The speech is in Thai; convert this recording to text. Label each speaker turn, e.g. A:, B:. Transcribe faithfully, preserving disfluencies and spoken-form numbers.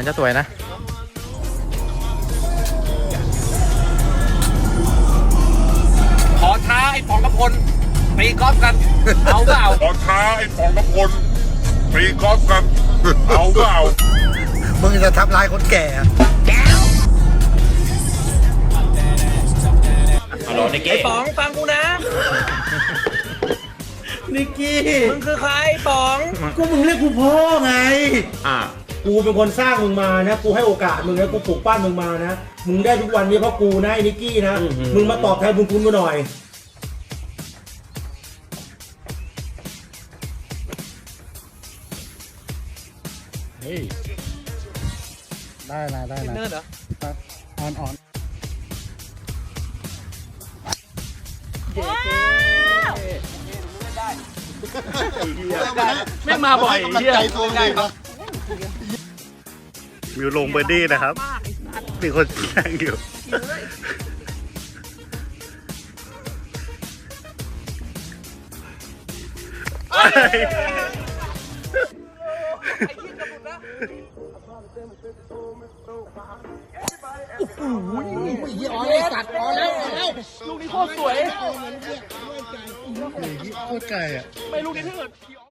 A: จะสวยนะ
B: ขอท้าไอ้ป๋องกระพลตีกอล์ฟกันเอาเปล่า
C: ขอท้าไอ้ป๋องกระพลตีกอล์ฟกันเอาเปล่า
D: มึงจะทำลายคนแก่
B: ฮัลโหลนิกกี้ไอ้ป๋องฟังกูนะ
D: นิกกี้
B: มึงคือใครป๋อง
D: ก็มึงเรียกกูพ่อไง
B: อ่า
D: กูเป็นคนสร้างมึงมานะกูให้โอกาสมึงนะกูปลูกปั้นมึงมานะมึงได้ทุกวันนี้เพราะกูนะไอ้นิกกี้นะมึงมาตอบแทนบุญคุณกูหน่อย
A: เฮ้ยได้นะได้นะ
B: เนิร์ดเหรอ
A: อ่อนอ่อน
B: ไม่มาบ่อยเฮีย
A: มิวลงเบอร์ดี้นะครับมีคนแข่งอยู่
D: โอ้โหยี่อ้อยตัดออกแล้วออกแล้ว
B: ลูกนี้โคตรสวย
A: โคตรไกลอ่ะ
B: ไม่ลูกนี้ถ้าเกิด